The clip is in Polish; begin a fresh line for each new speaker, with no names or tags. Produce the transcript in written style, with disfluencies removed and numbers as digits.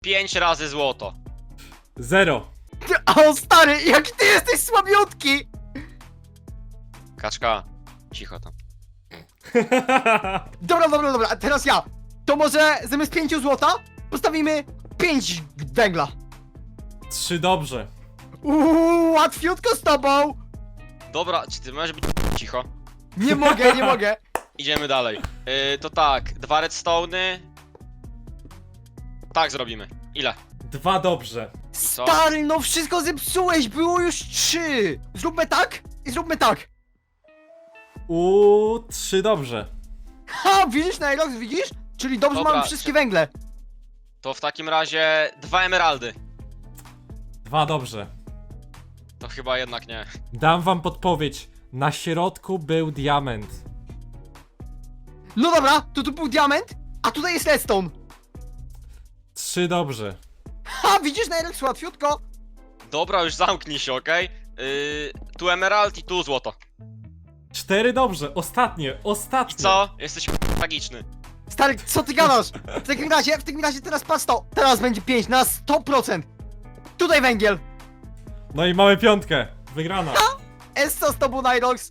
5 razy złoto.
0.
O stary, jaki ty jesteś słabiutki!
Kaczka, cicho tam.
Dobra, a teraz ja. To może zamiast 5 złota postawimy 5 węgla.
3 dobrze.
Łatwiutko z tobą!
Dobra, czy ty możesz być cicho?
Nie mogę, nie mogę.
Idziemy dalej. To tak, 2 redstone'y. Tak zrobimy. Ile?
2 dobrze.
co?
Stary, no wszystko zepsułeś, było już 3. Zróbmy tak i zróbmy tak.
3 dobrze.
Ha, widzisz Nyrox, widzisz? Czyli dobrze
Dobra,
mamy wszystkie węgle.
To w takim razie 2 emeraldy.
2 dobrze.
To chyba jednak nie.
Dam wam podpowiedź. Na środku był diament.
No dobra, to tu był diament, a tutaj jest redstone.
3 dobrze.
Ha, widzisz Nyrox, łatwiutko.
Dobra, już zamknij się, okej? Tu emerald i tu złoto.
4 dobrze. Ostatnie.
I co? Jesteś tragiczny.
Stary, co ty gadasz? W takim razie teraz patrz to. Teraz będzie 5 na 100%. Tutaj węgiel.
No i mamy 5. Wygrana.
Essa z tobą Nyrox.